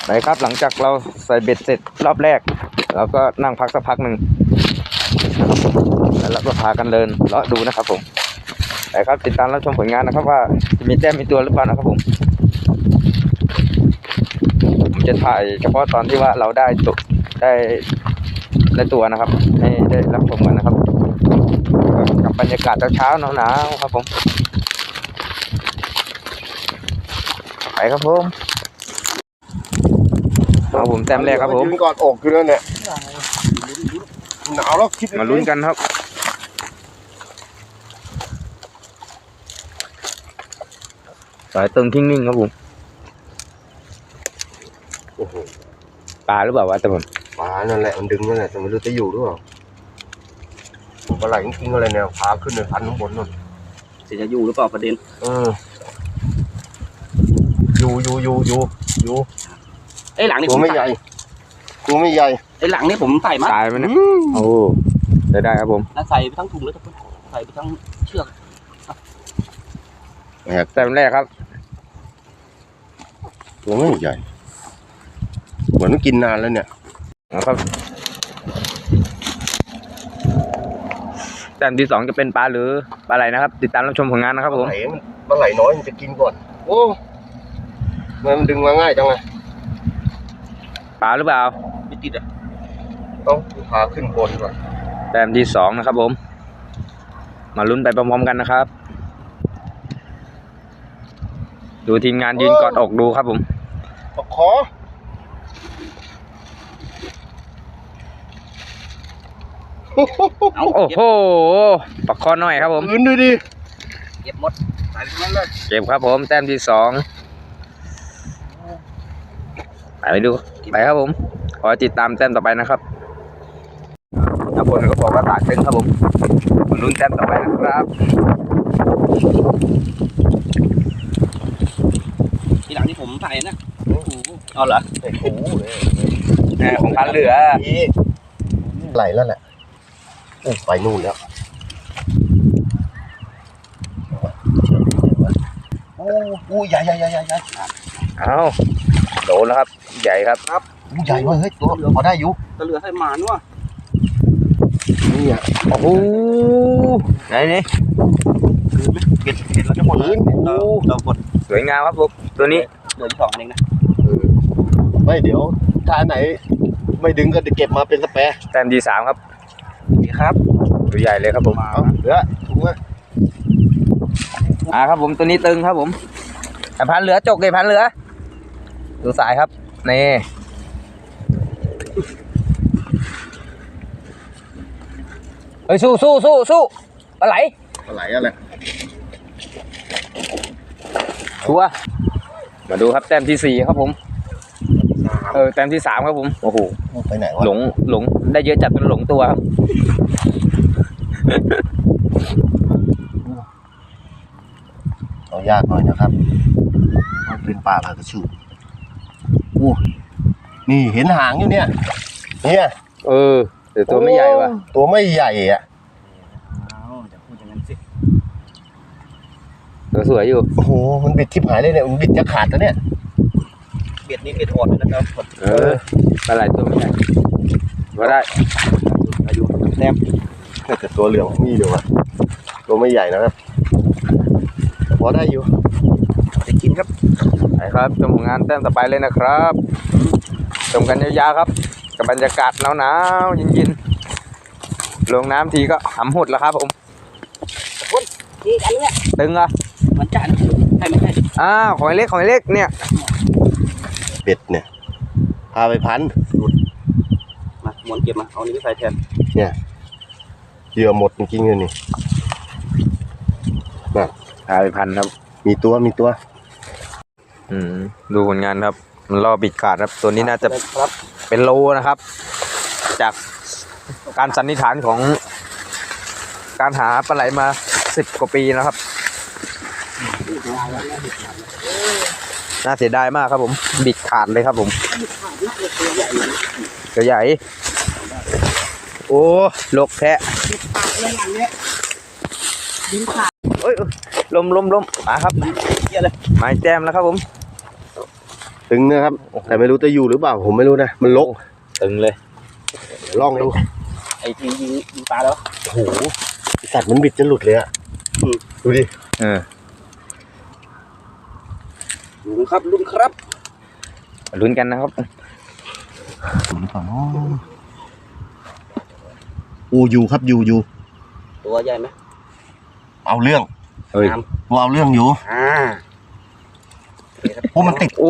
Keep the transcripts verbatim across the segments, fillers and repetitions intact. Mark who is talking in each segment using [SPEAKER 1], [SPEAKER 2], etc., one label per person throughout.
[SPEAKER 1] ไปครับหลังจากเราใส่เบ็ดเสร็จรอบแรกเราก็นั่งพักสักพักหนึ่งแล้วเราก็พากันเดินเลาะดูนะครับผมไปครับติดตามรับชมผลงานนะครับว่าจะมีแต้มมีตัวหรือเปล่านะครับผมผมจะถ่ายเฉพาะตอนที่ว่าเราได้ตัวได้ได้ตัวนะครับให้ได้รับชมกันนะครับกับบรรยากาศเช้าๆหนาวๆครับผมไปครับผมเอาผมแต้มแรกครับผม
[SPEAKER 2] ยืนกอดอกอยู่นั่นเนี่ยหนาวแล้วคิด
[SPEAKER 1] มาลุ้นกันครับสายตึงทิ้งนิ่งครับผม
[SPEAKER 2] โอ้โห
[SPEAKER 1] ปลาหรือเปล่าวะแต่ผม
[SPEAKER 2] ปลานั่นแหละมันดึงนั่นแหละแต่ไม่รู้จะอยู่หรือเปล่าปลาไหลจริงๆอะไรเนี่ยพาขึ้นในพันข้างบนนู่น
[SPEAKER 3] จะอยู่หรือเปล่าประเด็น
[SPEAKER 2] เอออยู่อยู่อยู่อยู่อยู่
[SPEAKER 3] ไอ้หลังนี่
[SPEAKER 2] ตัวไม่ใหญ่ตัวไม่ใหญ่
[SPEAKER 3] ไอ้หลังนี่ผมใส่มา
[SPEAKER 1] ตายไหมเนี่ยโอ้ได้ได้ครับผม
[SPEAKER 3] ใส่ไปทั้งถุงเลยทุกคนใส่ไปทั้งเชือก
[SPEAKER 1] แต้มแรกครับ
[SPEAKER 2] ตัวไม่ใหญ่เหมือนกินนานแล้วเนี่ย
[SPEAKER 1] นะครับแต้มที่สองจะเป็นปลาหรือปลาไหลนะครับติดตามรับชมผลงานนะครับผม
[SPEAKER 2] ปลาไหลน้อยมันจะกินก่อนโอ้มันดึงมาง่ายจังเลย
[SPEAKER 1] ปลาหรือเปล่า
[SPEAKER 3] ไม่ติดอ่ะ
[SPEAKER 2] ต้องพาขึ้นบนก่อน
[SPEAKER 1] แต้มที่สองนะครับผมมาลุ้นไปพร้อมๆกันนะครับดูทีมงานยืนกอดอกดูครับผม
[SPEAKER 2] ปะขอ
[SPEAKER 1] โอ้โหปักคอหน่อยครับผม
[SPEAKER 2] ยืนดูดิ
[SPEAKER 3] เก็บหมดใส่ไปนั่นเลย
[SPEAKER 1] เก็บครับผมแต้มที่สองไปดูไปครับผมขอติดตามแต้มต่อไปนะครับนักบอลก็บอกว่าตากตึงครับผมลุ้นแต้มต่อไปนะครับ
[SPEAKER 3] ที่หลังที่ผมใส่นะเอาเหรอ
[SPEAKER 2] ไอ้โอ้
[SPEAKER 1] แหมของพันเหลือ
[SPEAKER 2] ไหลแล้วแหละโอ้ไปนู่นแล้วโอ้โหใหญ่ใหญ่ใหญ่ใหญ่ใหญ่
[SPEAKER 1] เอาโดนแล้วครับใหญ่ครับ
[SPEAKER 2] ครับใหญ่เว้ยเฮ้ยตัวพอได้อยู่
[SPEAKER 3] ตะเหลือให้หมาด้วย
[SPEAKER 2] นี่อ่ะ
[SPEAKER 1] โอ้โหไหนนี่
[SPEAKER 3] เก็บเก็บแล้วจะหมดเลยเราเราหมด
[SPEAKER 1] สวยงามครับผมตัวนี้
[SPEAKER 3] เหลือสองอันเองนะ
[SPEAKER 2] ไม่เดี๋ยวถ้าไหนไม่ดึงก็จะเก็บมาเป็นสเปรย์
[SPEAKER 1] แต้มที่สามครับ
[SPEAKER 3] ดีครับ
[SPEAKER 1] ตัวใหญ่เลยครับผม
[SPEAKER 2] เหลือถูกไหม
[SPEAKER 1] อ่าครับผมตัวนี้ตึงครับผมแต่พันเหลือจกเลยพันเหลือดูสายครับนี่เฮ้ยสู้สู้สู้สู้ปลาไหล
[SPEAKER 2] ปลาไหลอะไร
[SPEAKER 1] ชัวมาดูครับแต้มที่สี่ครับผมเออแต้มที่สามครับผมโอ้โห
[SPEAKER 2] ไปไหนวะ
[SPEAKER 1] หลงหลงได้เยอะจัดเป็นหลงตัวครับ
[SPEAKER 2] เอายากหน่อยนะครับมันเป็นปลาปลากระชูโอ้นี่เห็นหางอยู่เนี่ยเนี่ย
[SPEAKER 1] เออแต่ตัวไม่ใหญ่ว่ะ
[SPEAKER 2] ตัวไม่ใหญ่อ่ะ
[SPEAKER 3] จะพูดอย่างนั้นสิ
[SPEAKER 1] ตัวสวยอยู่
[SPEAKER 2] โอ้โหมันบิดทิพหายเลยเนี่ยมันบิดจะขาดแล้วเนี่ย
[SPEAKER 3] เบ็ดนี้เบ็ดอ่อนเลยนะครับ
[SPEAKER 1] เออปลาไหลตัวไม่ใหญ่ก็ได้
[SPEAKER 3] อายุแต้ม
[SPEAKER 2] แต่ตัวเหลืองมีอยู่อ่ะตัวไม่ใหญ่นะครับพอได้อยู่
[SPEAKER 3] จะกินครับ
[SPEAKER 1] ไปครับชมผลงานแต้มต่อไปเลยนะครับชมกันยาวๆครับกับบรรยากาศหนาวๆเย็นๆลงน้ำทีก็หำหุดแล้วครับผม
[SPEAKER 3] คุณนี่อันนี้
[SPEAKER 1] ตึงอ่ะ
[SPEAKER 3] มันจัดใช่ไม่ใช่
[SPEAKER 1] อ้าวหอยเล็กหอยเล็กเนี่ย
[SPEAKER 2] เป็ดเนี่ยพาไปพัน
[SPEAKER 3] มาหมวนเก็บมาเอานี้ไปใส่แทน
[SPEAKER 2] เนี่ยเหยื่อหมดจริงๆเลยนี่
[SPEAKER 1] แบบพาไปพันครับ
[SPEAKER 2] มีตัวมีตัว
[SPEAKER 1] อืมดูผลงานครับมันล่อบิดขาดครับตัวนี้น่าจะเป็นโลนะครับจากการสันนิษฐานของการหาปลาไหลมาสิบกว่าปีนะครับน่าเสียดายมากครับผมบิดขาดเลยครับผมตัวใหญ่โอ้ลกแค่เอ้ยลมลมลมมาครับไม้แต้มแล้วครับผม
[SPEAKER 2] ตึงนะครับ แต่ไม่รู้จะอยู่หรือเปล่าผมไม่รู้นะมันลก
[SPEAKER 1] ตึงเลย
[SPEAKER 2] เดี๋ยวลองดู
[SPEAKER 3] ไอ้ที่ยิงยิงปลาแล้ว
[SPEAKER 2] โอ้โหไอ้สัตว์มันบิดจะหลุดเลยอะอืมดูดิ
[SPEAKER 1] เออ
[SPEAKER 3] ลุงครับลุงครับ
[SPEAKER 1] มาลุ้นกันนะครับ
[SPEAKER 2] อยู่หรือเปล่าเนาะโอ้อยู่ครับอยู่อยู่
[SPEAKER 3] ตัวใหญ่ไหม
[SPEAKER 2] เอาเรื่อง
[SPEAKER 1] เฮ้ย
[SPEAKER 2] กูเอาเรื่องอยู่
[SPEAKER 3] อ่า
[SPEAKER 2] โอ้มันติด
[SPEAKER 1] โอ้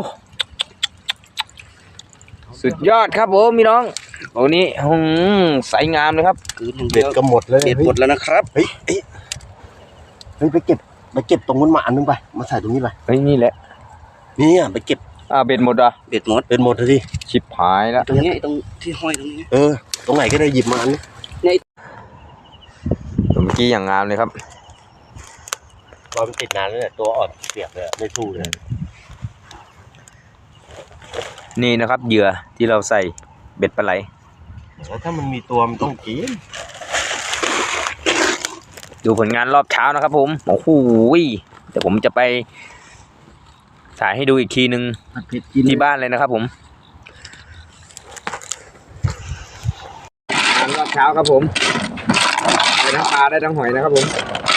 [SPEAKER 1] สุดยอดครับผมพี่น้องโอ้นี่หืมใสงามเลยครับ
[SPEAKER 3] คืนหนึ่ง
[SPEAKER 2] เบ็
[SPEAKER 3] เดี
[SPEAKER 2] ด
[SPEAKER 3] ยว
[SPEAKER 2] ก็หมดเลย
[SPEAKER 3] เด็ดหมดแล้วนะครับ
[SPEAKER 2] เฮ้ยเฮ้ยเฮ้ยไปเก็บไปเก็บตรงนู้นมาอันนึงไปมาใส่ตรงนี้ไป
[SPEAKER 1] เฮ้ยนี่แหละ
[SPEAKER 2] นี่อ่ะไปเก็บ
[SPEAKER 1] อ่าเบ็ดหมดอ่ะ
[SPEAKER 3] เด็ดหมด
[SPEAKER 2] เป็นหมดเลยดิ
[SPEAKER 1] ชิบหายแล้ว
[SPEAKER 3] ตรงนี้ไอ้ตรงที่ห้อยตรงนี้
[SPEAKER 2] เออตรงไหนก็ได้หยิบมาอันนี้
[SPEAKER 1] เมื่อกี้อย่างงามเลยครับ
[SPEAKER 2] ตอนมันติดนานแล้วเนี่ยตัวอ่อนเสียบเลยไม่สู้เลย
[SPEAKER 1] นี่นะครับเหยื่อที่เราใส่เบ็ดปลาไหล
[SPEAKER 2] แล้วถ้ามันมีตัวมันต้องกิน
[SPEAKER 1] ดูผลงานรอบเช้านะครับผมโอ้โหเดี๋ยวผมจะไปถ่ายให้ดูอีกทีนึงที่บ้านเลยนะครับผมงานรอบเช้าครับผมได้ทั้งปลาได้ทั้งหอยนะครับผม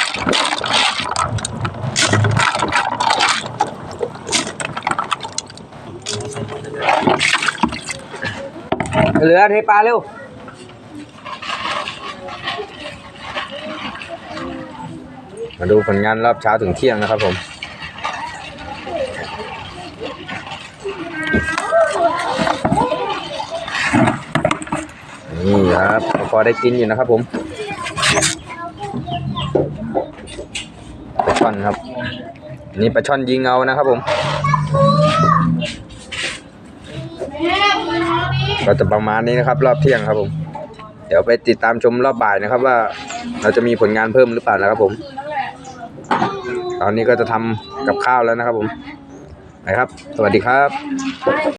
[SPEAKER 1] เหลือเทปลาเร็วมาดูผลงานรอบเช้าถึงเที่ยงนะครับผมนี่ครับพอได้กินอยู่นะครับผมปลาช่อนครับนี่ปลาช่อนยิงเอานะครับผมก็จะประมาณนี้นะครับรอบเที่ยงครับผมเดี๋ยวไปติดตามชมรอบบ่ายนะครับว่าเราจะมีผลงานเพิ่มหรือเปล่านะครับผมตอนนี้ก็จะทำกับข้าวแล้วนะครับผมไปครับสวัสดีครับ